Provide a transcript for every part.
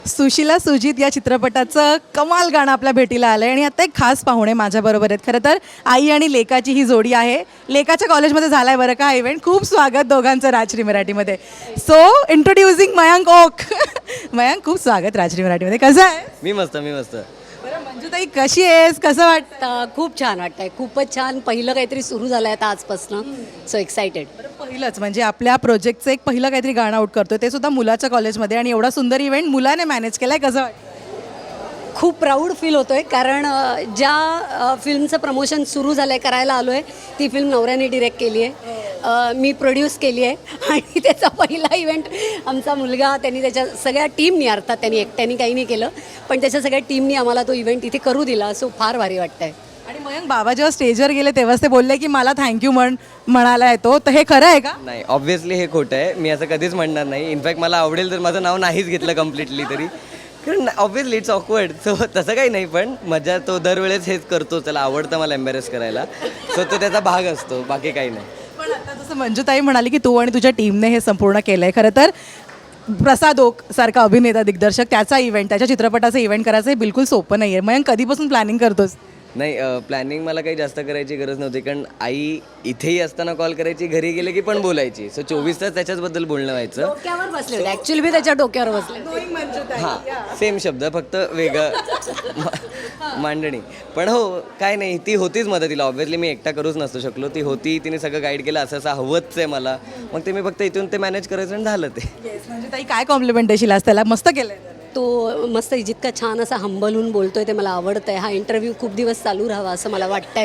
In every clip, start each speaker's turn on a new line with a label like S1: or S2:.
S1: सुशीला सुजित या चित्रपटाचं कमाल गाणं आपल्या भेटीला आलं आहे आणि आता एक खास पाहुणे माझ्याबरोबर आहेत. खरं तर आई आणि लेकाची ही जोडी आहे. लेकाच्या कॉलेजमध्ये झाला आहे बरं का हा इव्हेंट. खूप स्वागत दोघांचं राजश्री मराठीमध्ये. So introducing Mayank Oak. मयांक, खूप स्वागत राजश्री मराठीमध्ये. कसं आहे?
S2: मी मस्त.
S1: बरं मंजुताई, कशी आहेस? कसं वाटतं?
S3: खूप छान वाटतंय, खूपच छान. पहिलं काहीतरी सुरू झालं आहे आता आजपासून. So excited.
S1: पहिलंच म्हणजे आपल्या प्रोजेक्टचं एक पहिलं काहीतरी गाणं आउट करतोय, ते सुद्धा मुलाच्या कॉलेजमध्ये, आणि एवढा सुंदर इव्हेंट मुलाने मॅनेज केलाय. कसं वाटतं?
S3: खूप प्राऊड फील होतोय कारण ज्या फिल्मचं प्रमोशन सुरू झालं आहे, करायला आलो आहे, ती फिल्म नवऱ्याने डिरेक्ट केली आहे. मी प्रोड्यूस केली आहे आणि त्याचा पहिला इव्हेंट आमचा मुलगा, त्यांनी त्याच्या सगळ्या टीमनी, अर्थात त्यांनी एकट्याने काही नाही केलं, पण त्याच्या सगळ्या टीमनी आम्हाला तो इव्हेंट इथे करू दिला. सो फार भारी वाटतंय.
S1: आणि मयंक, बाबा जेव्हा स्टेजवर गेले तेव्हाच ते बोलले की मला थँक्यू म्हणायला येतो, तर हे खरं आहे का?
S2: नाही, ऑब्व्हियसली हे खोटं आहे. मी असं कधीच म्हणणार नाही. इनफॅक्ट मला आवडेल तर माझं नाव नाहीच घेतलं कम्प्लिटली तरी, कारण ऑब्व्हियसली इट्स ऑकवर्ड. सो तसं काही नाही, पण मजा तो दरवेळेस हेच करतो. त्याला आवडतं मला एम्बॅरेस करायला. सो तो त्याचा भाग असतो, बाकी काही नाही.
S1: पण आता जसं मंजुताई म्हणाली की तू आणि तुझ्या टीमने हे संपूर्ण केलं आहे. खरं तर प्रसाद ओक सारखा अभिनेता दिग्दर्शक, त्याचा इव्हेंट, त्याच्या चित्रपटाचा इव्हेंट करायचं हे बिलकुल सोपं नाही आहे. मयंक, कधीपासून प्लॅनिंग करतोस?
S2: नाही, प्लॅनिंग मला काही जास्त करायची गरज नव्हती, कारण आई इथेही असताना कॉल करायची, घरी गेले की पण बोलायची. सो 24 तास त्याच्याचबद्दल बोलणं व्हायचं.
S3: डोक्यावर बसले होते ॲक्च्युली, मी त्याच्या डोक्यावर बसले.
S2: हां, सेम शब्द, फक्त वेगळं मांडणी. पण हो, काय नाही, ती होतीच मदतीला. ऑब्व्हियसली मी एकटा करूच नसू शकलो. ती होती, तिने सगळं गाईड केलं, असं हवंच आहे मला. मग ते मी फक्त इथून ते मॅनेज करायचं आणि झालं ते.
S1: मंजुताई, काय कॉम्प्लिमेंट देशील आज त्याला? मस्त केलंय.
S3: तो मस्त जितका छान असा हंबल होऊन बोलतोय ते मला आवडतंय. हा इंटरव्ह्यू खूप दिवस चालू राहावा असं मला वाटतंय.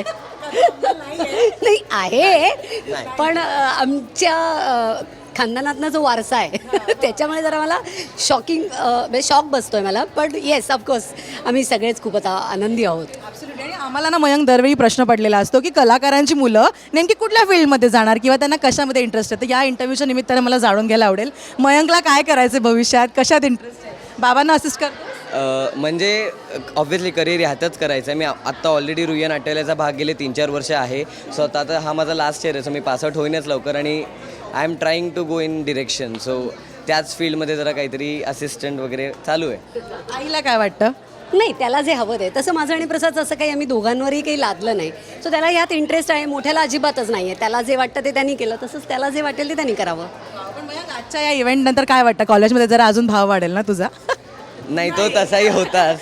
S3: नाही आहे, पण आमच्या खानदानातनं जो वारसा आहे त्याच्यामुळे जरा मला म्हणजे शॉक बसतोय मला. पण येस, ऑफकोर्स आम्ही सगळेच खूप आता आनंदी आहोत.
S1: आणि आम्हाला ना मयंक, दरवेळी प्रश्न पडलेला असतो की कलाकारांची मुलं नेमकी कुठल्या फील्डमध्ये जाणार किंवा त्यांना कशामध्ये इंटरेस्ट आहे. तर या इंटरव्ह्यूच्या निमित्तानं मला जाणून घ्यायला आवडेल, मयंकला काय करायचं भविष्यात, कशात इंटरेस्ट आहे? बाबांना असिस्ट कर.
S2: म्हणजे ऑब्व्हियसली करिअर ह्यातच करायचं आहे. मी आत्ता ऑलरेडी रुईया नाट्यालयाचा भाग गेले 3-4 वर्ष आहे. सो आता हा माझा लास्ट इयर आहे. सो मी पासआउट होईनच लवकर, आणि I am trying to go in direction. So त्याच फील्डमध्ये जरा काहीतरी असिस्टंट वगैरे चालू आहे.
S1: आईला काय वाटतं?
S3: नाही, त्याला जे हवं आहे तसं माझं आणि प्रसादचं असं काही आम्ही दोघांवरही काही लादलं नाही. सो त्याला यात इंटरेस्ट आहे. मोठ्याला अजिबातच नाही आहे. त्याला जे वाटतं ते त्यांनी केलं, तसंच त्याला जे वाटेल ते त्यांनी करावं.
S1: पण मयंक, आजच्या या इव्हेंट नंतर काय वाटतं? कॉलेजमध्ये जरा अजून भाव वाढेल ना तुझा?
S2: नाही, तो तसाही होताच.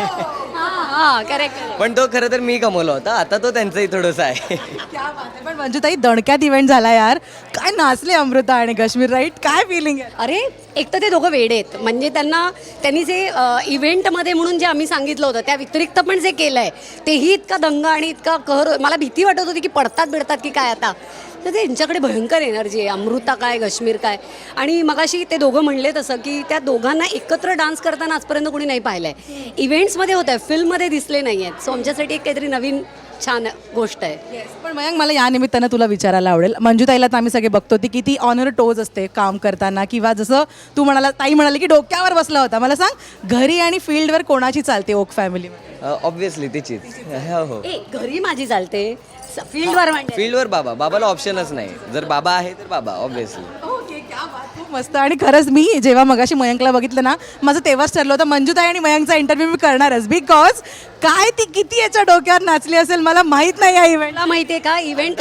S3: हां, करेक्ट.
S2: पण तो खरं तर मी कमवला होता. आता तो त्यांचंही थोडंसं आहे.
S1: पण मंजुताई, दणक्यात इव्हेंट झाला यार. काय नाचले अमृता आणि काश्मीर, राईट? काय फिलिंग आहे?
S3: अरे, एक तर ते दोघं वेडे आहेत. म्हणजे त्यांनी जे इव्हेंटमध्ये म्हणून जे आम्ही सांगितलं होतं त्या व्यतिरिक्त पण जे केलं आहे तेही इतका दंग आणि इतका कहर. मला भीती वाटत होती की पडतात बिडतात की काय आता. तर त्यांच्याकडे भयंकर एनर्जी आहे. अमृता काय, काश्मीर काय. आणि मगाशी ते दोघं म्हणले तसं की त्या दोघांना एकत्र डान्स करताना आजपर्यंत कोणी नाही पाहिलं आहे. इव्हेंट्समध्ये होत आहे, फिल्ममध्ये दिसले नाही आहेत. सो आमच्यासाठी एक काहीतरी नवीन छान गोष्ट आहे.
S1: पण मयंक, मला या निमित्तानं तुला विचारायला आवडेल, मंजुताईला तर आम्ही सगळे बघतो ती किती ऑनर टोज असते काम करताना, किंवा जसं तू ताई म्हणाली की डोक्यावर बसला होता. मला सांग, घरी आणि फील्डवर कोणाची चालते ओक फॅमिलीमध्ये?
S2: ऑब्व्हियसली तिचीच. हो,
S3: घरी माझी चालते, फील्डवर म्हणजे
S2: फील्डवर बाबाला ऑप्शनच नाही. जर बाबा आहे तर बाबा, ऑब्व्हियसली.
S1: खूप मस्त. आणि खरंच मी जेव्हा मगाशी मयंकला बघितलं ना, माझं तेव्हाच ठरलं होतं मंजुताई आणि मयंकचा इंटरव्ह्यू मी करणारच. बिकॉज काय ती किती याच्या डोक्यावर नाचली असेल मला माहीत नाही. या इव्हेंटला
S3: माहिती आहे का, इव्हेंट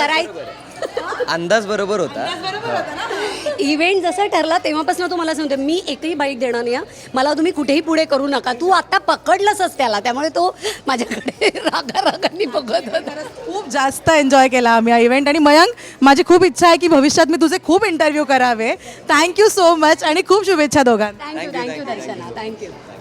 S2: अंदाज बरोबर होता.
S3: इव्हेंट जसं ठरला तेव्हापासून तू मला सांगते मी एकही बाईट देणार नाही. मला तुम्ही कुठेही पुढे करू नका. तू आता पकडलंसच त्याला, त्यामुळे तो माझ्याकडे रागारागांनी बघत होता.
S1: खूप जास्त एन्जॉय केला आम्ही हा इव्हेंट. आणि मयंक, माझी खूप इच्छा आहे की भविष्यात मी तुझे खूप इंटरव्ह्यू करावे. थँक्यू सो मच आणि खूप शुभेच्छा दोघांना.
S3: Thank you Darshana, thank you.